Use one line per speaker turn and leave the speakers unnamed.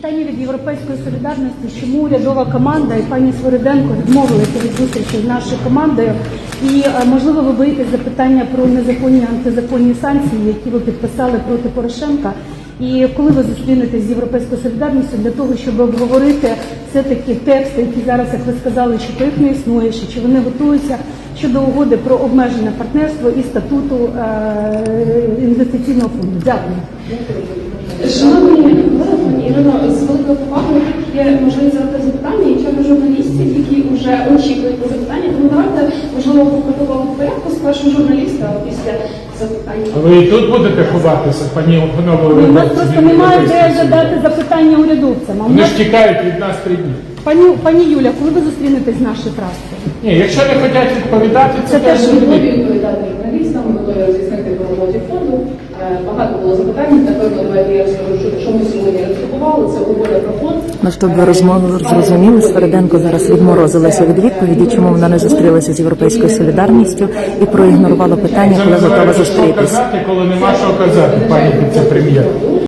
Питання від «Європейської солідарності», чому урядова команда і пані Свириденко відмовилися від зустрічі з нашою командою, і, можливо, ви боїтесь запитання про незаконні антизаконні санкції, які ви підписали проти Порошенка, і коли ви зустрінетесь з «Європейською солідарністю» для того, щоб обговорити все-таки тексти, які зараз, як ви сказали, що то їх не існує, чи вони готуються щодо угоди про обмежене партнерство і статуту інвестиційного фонду. Дякую.
Шановні пані Ірино, з великою повагою є можливість задати запитання, і чому журналістів, які вже очікують на запитання, тому давайте, можливо, по такому порядку спершу журналіста, а після запитання.
А ви і тут будете ховатися, пані Опанової?
У нас просто немає де задати запитання урядовцям.
Вони ж тікають від нас 3 дні.
Пані Юля, коли ви зустрінетесь з нашою фракцією?
Ні, якщо не хочуть відповідати, це теж
Ми
не
готові
буде.
відповідати журналістам, ми готові роз'яснити по роботі фонду. Багато було запитань, напевно, давайте я розкажу, що ми сьогодні роздрукували, це угода про фонд.
Ну, щоб ви розмову зрозуміли, Свириденко зараз відморозилася від відповіді, чому вона не зустрілася з «Європейською солідарністю» і проігнорувала питання, коли готова зустрітися.
Коли нема що казати, пані віце-прем'єр.